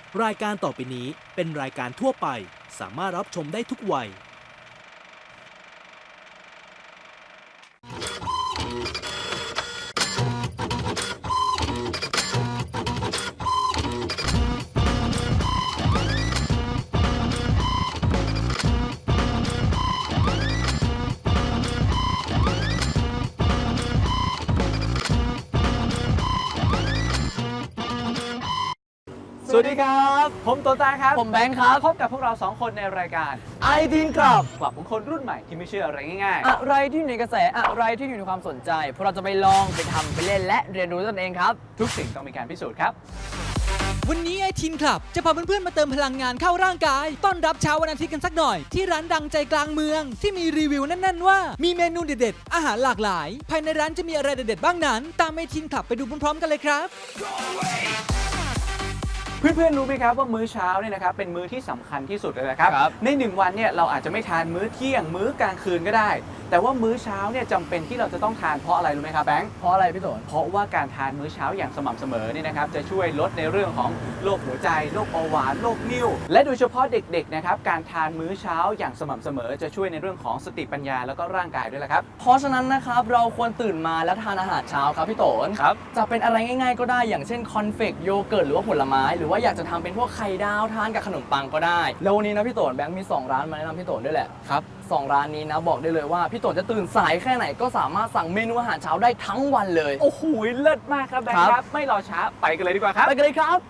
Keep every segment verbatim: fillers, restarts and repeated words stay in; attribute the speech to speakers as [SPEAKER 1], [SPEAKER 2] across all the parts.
[SPEAKER 1] รายการต่อไปนี้เป็นรายการทั่วไปสามารถรับชมได้ทุกวัย
[SPEAKER 2] สวัสดีครับผมโตต้าครับ
[SPEAKER 3] ผมแบงค์ครับ
[SPEAKER 2] พบกับพวกเราสองคนในรายการ
[SPEAKER 3] ไอทีนครับ
[SPEAKER 2] กลับของคนรุ่นใหม่ที่ไม่เชื่ออะไรง่าย
[SPEAKER 3] อะไรที่อยู่ในกระแสอะไรที่อยู่ในความสนใจพวกเราจะไปลองไปทำไปเล่นและเรียนรู้ตนเองครับ
[SPEAKER 2] ๆทุกสิ่งต้องมีการพิสูจน์ครับ
[SPEAKER 4] วันนี้ไอทีนคลับจะพาเพื่อนๆมาเติมพลังงานเข้าร่างกาย ต้อนรับเช้าวันอาทิตย์กันสักหน่อย ที่ร้านดังใจกลางเมือง ที่มีรีวิวแน่นๆว่า มีเมนูเด็ดๆ อาหารหลากหลาย ภายในร้านจะมีอะไรเด็ดๆ บ้างนั้น ตามไอทีนคลับไปดูพร้อมๆกันเลยครับ
[SPEAKER 2] เพื่อนๆรู้ไหมครับว่ามื้อเช้าเนี่ยนะครับเป็นมื้อที่สำคัญที่สุดเลยนะครับ
[SPEAKER 3] ครับ
[SPEAKER 2] ในหนึ่งวันเนี่ยเราอาจจะไม่ทานมื้อเที่ยงมื้อกลางคืนก็ได้ แต่ว่ามื้อเช้าเนี่ยจำเป็นที่เราจะต้องทานเพราะอะไรรู้ไหมครับแบงค์
[SPEAKER 3] เพราะอะไรพี่โตน
[SPEAKER 2] เพราะว่าการทานมื้อเช้าอย่างสม่ำเสมอเนี่ยนะครับจะช่วยลดในเรื่องของโรคหัวใจโรคเบาหวานโรคนิ่วและโดยเฉพาะเด็กๆนะครับการทานมื้อเช้าอย่างสม่ำเสมอจะช่วยในเรื่องของสติปัญญาแล้วก็ร่างกายด้วยละครับ
[SPEAKER 3] เพราะฉะนั้นนะครับเราควรตื่นมาแล้วทานอาหารเช้าครับพี่โตน
[SPEAKER 2] ครับ
[SPEAKER 3] จะเป็นอะไรง่ายๆก็ได้อย่างเช่นคอนเฟกโยเกิร์ตหรือว่าผลไม้หรือว่าอยากจะทำเป็นพวกไข่ดาวทานกับขนมปังก็ได้แล้ววันนี้นะพี่โตนแบงค์มีสองร้านมาแนะนำพี่โตนด้วยแหละ
[SPEAKER 2] ครับ
[SPEAKER 3] สองร้านนี้นะบอกได้เลยว่าพี่โตนจะตื่นสายแค่ไหนก็สามารถสั่งเมนูอาหารเช้าได้ทั้งวันเลย
[SPEAKER 2] โอ้โหเลิศมากครับแบงค์
[SPEAKER 3] ครับ
[SPEAKER 2] ครับไม่รอช้าไปกันเลยดีกว่าครับ
[SPEAKER 3] ไปกันเลยครับ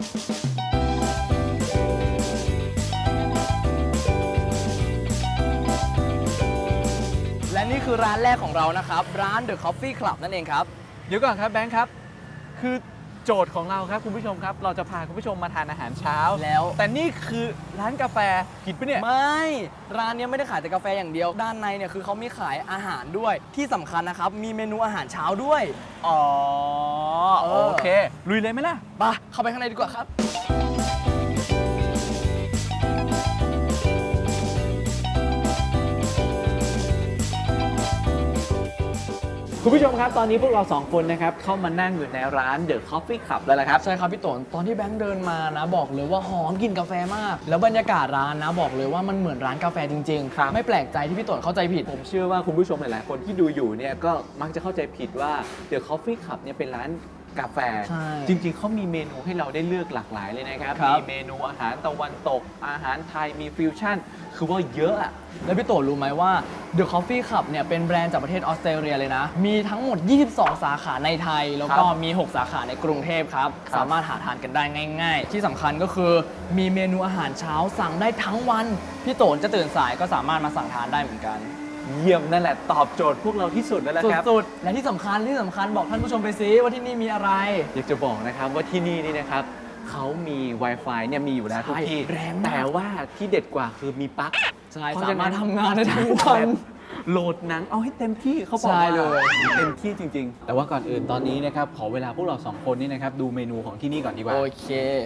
[SPEAKER 3] และนี่คือร้านแรกของเรานะครับ ร้าน The Coffee Club นั่นเองครับ
[SPEAKER 2] เดี๋ยวก่อนครับแบงค์ครับ คือโจทย์ของเราครับคุณผู้ชมครับ เราจะพาคุณผู้ชมมาทานอาหารเช้า
[SPEAKER 3] แล้ว
[SPEAKER 2] แต่นี่คือร้านกาแฟผิดปะเนี่ย
[SPEAKER 3] ไม่ ร้านเนี้ยไม่ได้ขายแต่กาแฟอย่างเดียว ด้านในเนี่ยคือเขามีขายอาหารด้วย ที่สำคัญนะครับ มีเมนูอาหารเช้าด้วย
[SPEAKER 2] อ๋อ
[SPEAKER 3] เออ
[SPEAKER 2] โอเค ลุยเลยไหมล่ะ
[SPEAKER 3] ไปเข้าไปข้างในดีกว่าครับ
[SPEAKER 2] คุณผู้ชมครับ ตอนนี้พวกเราสองคนนะครับเข้ามานั่งอยู่ในร้าน The Coffee Club แล้วละครับ
[SPEAKER 3] ใช่ครับพี่โตนตอนที่แบงค์เดินมานะบอกเลยว่าหอมกลิ่นกาแฟมาก แล้วบรรยากาศร้านนะบอกเลยว่ามันเหมือนร้านกาแฟจริงๆ
[SPEAKER 2] ครับ
[SPEAKER 3] ไม่แปลกใจที่พี่โตนเข้าใจผิด
[SPEAKER 2] ผมเชื่อว่าคุณผู้ชมหลาย ๆ คนที่ดูอยู่เนี่ยก็มักจะเข้าใจผิดว่า The Coffee Club เนี่ยเป็นร้านกาแฟ
[SPEAKER 3] ใช่
[SPEAKER 2] จริง ๆ เขามีเมนูให้เราได้เลือกหลากหลายเลยนะครับ
[SPEAKER 3] ครับ
[SPEAKER 2] มีเมนูอาหารตะวันตก อาหารไทย มีฟิวชั่น คือว่าเยอะอะ
[SPEAKER 3] แล้วพี่โตรู้ไหมว่า The Coffee Club เนี่ยเป็นแบรนด์จากประเทศออสเตรเลียเลยนะ มีทั้งหมด ยี่สิบสอง สาขาในไทย แล้วก็
[SPEAKER 2] ครับ
[SPEAKER 3] มี หก สาขาในกรุงเทพครับ
[SPEAKER 2] ครับ
[SPEAKER 3] สามารถหาทานกันได้ง่าย ๆ ที่สำคัญก็คือมีเมนูอาหารเช้าสั่งได้ทั้งวัน พี่โตนจะตื่นสายก็สามารถมาสั่งทานได้เหมือนกัน
[SPEAKER 2] เยี่ยมนั่นแหละตอบโจทย์พวกเราที่สุดแล้วละครับ
[SPEAKER 3] สุดๆ และที่สำคัญที่สำคัญบอกท่านผู้ชมไปซิว่าที่นี่มีอะไร
[SPEAKER 2] อยากจะบอกนะครับว่าที่นี่นี่นะครับเขามี Wi-Fi เนี่ยมีอยู่แล้วทุกที่
[SPEAKER 3] แรงมาก
[SPEAKER 2] แต่ว่าที่เด็ดกว่าคือมีปลั๊ก
[SPEAKER 3] ใช่
[SPEAKER 2] เพะ
[SPEAKER 3] สา
[SPEAKER 2] ฉะ
[SPEAKER 3] มารถทำงานได้ทั้งวัน
[SPEAKER 2] โหลดหนังเอาให้เต็มที่เขาบอก
[SPEAKER 3] ใช่
[SPEAKER 2] ว่า
[SPEAKER 3] เลย
[SPEAKER 2] เต็มที่จริง ๆ แต่ว่าก่อนอื่นตอนนี้นะครับขอเวลาพวกเราสองคนนี่นะครับดูเมนูของที่นี่ก่อนดีกว่า
[SPEAKER 3] โอเค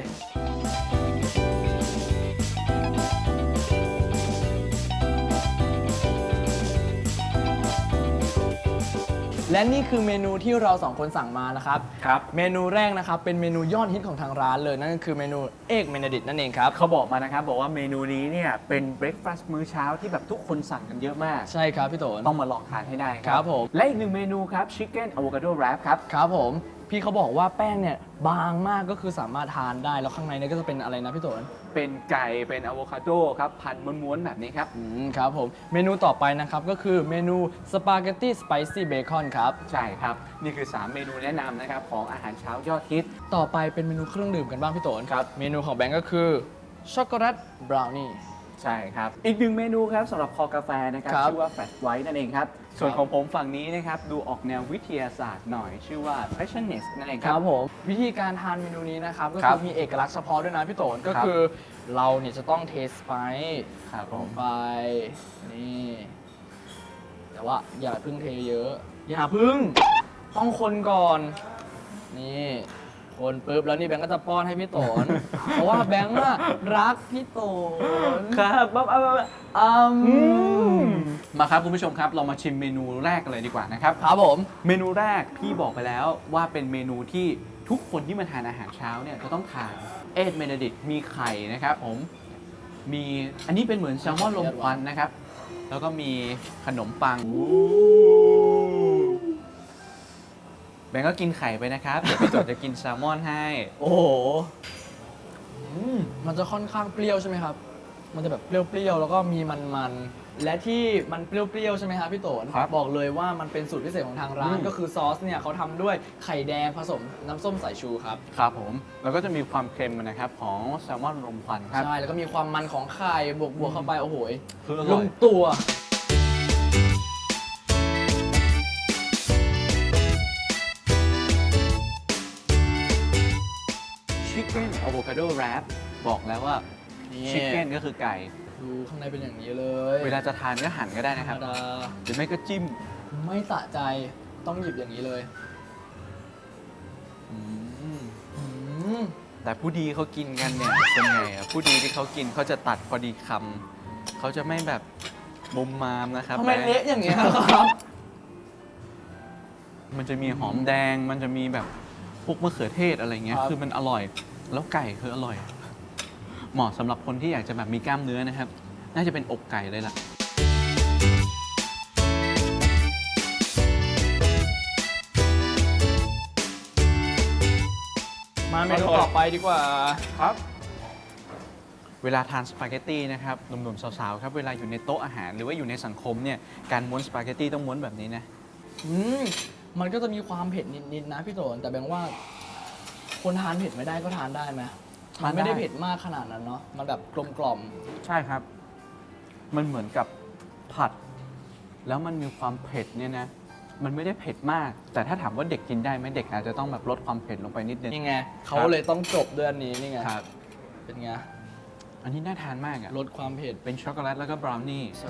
[SPEAKER 3] และนี่คือเมนูที่เราสองคนสั่งมานะครับ
[SPEAKER 2] ครับ
[SPEAKER 3] เมนูแรกนะครับเป็นเมนูยอดฮิตของทางร้านเลยนั่นก็คือเมนูเอกเมนดิตนั่นเองครับ
[SPEAKER 2] เขาบอกมานะครับบอกว่าเมนูนี้เนี่ยเป็นเบรคฟาสต์มื้อเช้าที่แบบทุกคนสั่งกันเยอะมาก
[SPEAKER 3] ใช่ครับพี่โตน
[SPEAKER 2] ต้องมาลองทานให้ได้ค
[SPEAKER 3] ค
[SPEAKER 2] รั
[SPEAKER 3] รับผม
[SPEAKER 2] และอีกหนึ่งเมนูครับชิคเก้นอะโวคาโดแรปครับ
[SPEAKER 3] ครับผม พี่เขาบอกว่าแป้งเนี่ยบางมากก็คือสามารถทานได้แล้วข้างในเนี่ยก็จะเป็นอะไรนะพี่โตน
[SPEAKER 2] เป็นไก่เป็นอะโวคาโดครับพันม้วนๆแบบนี้ครับ
[SPEAKER 3] อืมครับผม เมนูต่อไปนะครับก็คือเมนูสปาเกตตี้สไปซี่เบคอนครับ
[SPEAKER 2] ใช่ครับ นี่คือ สาม เมนูแนะนำนะครับของอาหารเช้ายอดฮิต
[SPEAKER 3] ต่อไปเป็นเมนูเครื่องดื่มกันบ้างพี่โตน
[SPEAKER 2] ครับ
[SPEAKER 3] เมนูของแบงก์ก็คือช็อกโกแลตบราวนี่
[SPEAKER 2] ใช่ครับ อีกหนึ่งเมนูครับสำหรับคอกาแฟนะครับ
[SPEAKER 3] ครับ
[SPEAKER 2] ชื่อว่าแฟลชไวท์นั่นเองครับ ส่วนของผมฝั่งนี้นะครับดูออกแนววิทยาศาสตร์หน่อย ชื่อว่า passionist นั่นเอง
[SPEAKER 3] ค
[SPEAKER 2] ครั
[SPEAKER 3] รั
[SPEAKER 2] บบ
[SPEAKER 3] ผมวิธีการทานเมนูนี้นะครับก็
[SPEAKER 2] ครั
[SPEAKER 3] คื
[SPEAKER 2] บ
[SPEAKER 3] อมีเอกลักษณ์เฉพาะด้วยนะพี่โตนก็
[SPEAKER 2] ครับ
[SPEAKER 3] คือเราเนี่ยจะต้องเทสไป
[SPEAKER 2] ครับผม
[SPEAKER 3] ไปนี่แต่ว่าอย่าเพึ่งเทเยอะ อย่าพึ่งต้องคนก่อนนี่คนปุ๊บแล้วนี่แบงก์ก็จะป้อนให้พี่โตน เพราะว่าแบงก์อะรักพี่โตน
[SPEAKER 2] ครับบ๊อบบ๊อบบ๊อบ
[SPEAKER 3] อืม
[SPEAKER 2] มาครับคุณผู้ชมครับเรามาชิมเมนูแรกกันเลยดีกว่านะครับ
[SPEAKER 3] ครับผม
[SPEAKER 2] เมนูแรกพี่บอกไปแล้วว่าเป็นเมนูที่ทุกคนที่มาทานอาหารเช้าเนี่ยจะต้องทานเอ็ดเมนดิตมีไข่นะครับผมมีอันนี้เป็นเหมือนแซลมอนลมควันนะครับแล้วก็มีขนมปังแบงก์ก็กินไข่ไปนะครับเดี๋ยวพี่โตจะกินแซลมอนให้
[SPEAKER 3] โอ้โหอืมมันจะค่อนข้างเปรี้ยวใช่ไหมครับ มันจะแบบเปรี้ยวๆ แล้วก็มีมันๆ และที่มันเปรี้ยวๆ ใช่ไหมครับพี่โตน
[SPEAKER 2] ครับ
[SPEAKER 3] บอกเลยว่ามันเป็นสูตรพิเศษของทางร้าน
[SPEAKER 2] อืม
[SPEAKER 3] ก็คือซอสเนี่ยเขาทำด้วยไข่แดงผสมน้ำส้มสายชูครับ
[SPEAKER 2] ครับผมแล้วก็จะมีความเค็มนะครับของแซลมอนลมควันครับ
[SPEAKER 3] ใช่ แล้วก็มีความมันของไข่บวกบวกเข้าไป โอ้โห
[SPEAKER 2] คืออ
[SPEAKER 3] ล
[SPEAKER 2] ร่อย
[SPEAKER 3] งตัว
[SPEAKER 2] ชิคเก้นอะโวคาโดแรปบอกแล้วว่า
[SPEAKER 3] นี่
[SPEAKER 2] ชิคเก้นก็คือไก่
[SPEAKER 3] ดูข้างในเป็นอย่างนี้เลย
[SPEAKER 2] เวลาจะทานก็หั่นก็ได้
[SPEAKER 3] ธร
[SPEAKER 2] นะค
[SPEAKER 3] ร
[SPEAKER 2] รั
[SPEAKER 3] ม
[SPEAKER 2] บ
[SPEAKER 3] ดา
[SPEAKER 2] หรือไม่ก็จิ้ม
[SPEAKER 3] ไม่สะใจต้องหยิบอย่างนี้เลย
[SPEAKER 2] อืม
[SPEAKER 3] อืม
[SPEAKER 2] แต่ผู้ดีเขากินกันเนี่ยเป็นไงอ่ะผู้ดีที่เขากินเขาจะตัดพอดีคำเขาจะไม่แบบมุมมามนะครับ
[SPEAKER 3] ทำไม
[SPEAKER 2] แ
[SPEAKER 3] เละอย่างเงี้ยครับ
[SPEAKER 2] มันจะมีหอมแดง มันจะมีแบบพวกมะเขือเทศอะไรเงี้ย
[SPEAKER 3] ครับ
[SPEAKER 2] คือมันอร่อย แล้วไก่คืออร่อย เหมาะสำหรับคนที่อยากจะแบบมีกล้ามเนื้อนะครับ น่าจะเป็นอกไก่เลยล่ะ
[SPEAKER 3] มาเมนูต่อไปดีกว่า
[SPEAKER 2] ครับ เวลาทานสปาเกตตี้นะครับหนุ่มๆสาวๆครับเวลาอยู่ในโต๊ะอาหารหรือว่าอยู่ในสังคมเนี่ยการม้วนสปาเกตตี้ต้องม้วนแบบนี้นะ
[SPEAKER 3] อืมมันก็จะมีความเผ็ดนิดๆนะพี่โตนแต่แบงว่า คนทานเผ็ดไม่ได้ก็ทานได้ไหม
[SPEAKER 2] ทานได้
[SPEAKER 3] มันไม่ได้เผ็ดมากขนาดนั้นเนาะมันแบบกลมกล่อม
[SPEAKER 2] ใช่ครับ มันเหมือนกับผัด แล้วมันมีความเผ็ดเนี่ยนะ มันไม่ได้เผ็ดมาก แต่ถ้าถามว่าเด็กกินได้ไหมเด็กอาจจะต้องแบบลดความเผ็ดลงไปนิดนึง
[SPEAKER 3] นี่ไงเขาเลยต้องจบด้วยอันนี้นี่ไง
[SPEAKER 2] ครับ
[SPEAKER 3] เป็นไง
[SPEAKER 2] อันนี้น่าทานมากอะ
[SPEAKER 3] ลดความเผ็ด
[SPEAKER 2] เป็นช็อกโกแลตแล้วก็บราวนี่
[SPEAKER 3] ใช่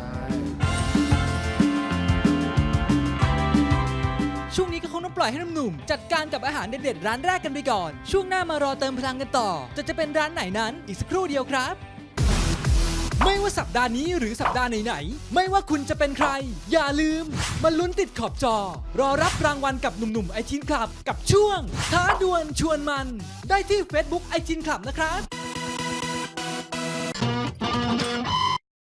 [SPEAKER 4] ช่วงนี้ก็คงต้องปล่อยให้หนุ่มๆจัดการกับอาหารเด็ดๆร้านแรกกันไปก่อน ช่วงหน้ามารอเติมพลังกันต่อ จะจะเป็นร้านไหนนั้นอีกสักครู่เดียวครับ ไม่ว่าสัปดาห์นี้หรือสัปดาห์ไหนๆไม่ว่าคุณจะเป็นใคร อย่าลืมมาลุ้นติดขอบจอ รอรับรางวัลกับหนุ่มๆไอทีนคลับ กับช่วงท้าดวลชวนมัน ได้ที่ Facebook ไอทีนคลับนะครับ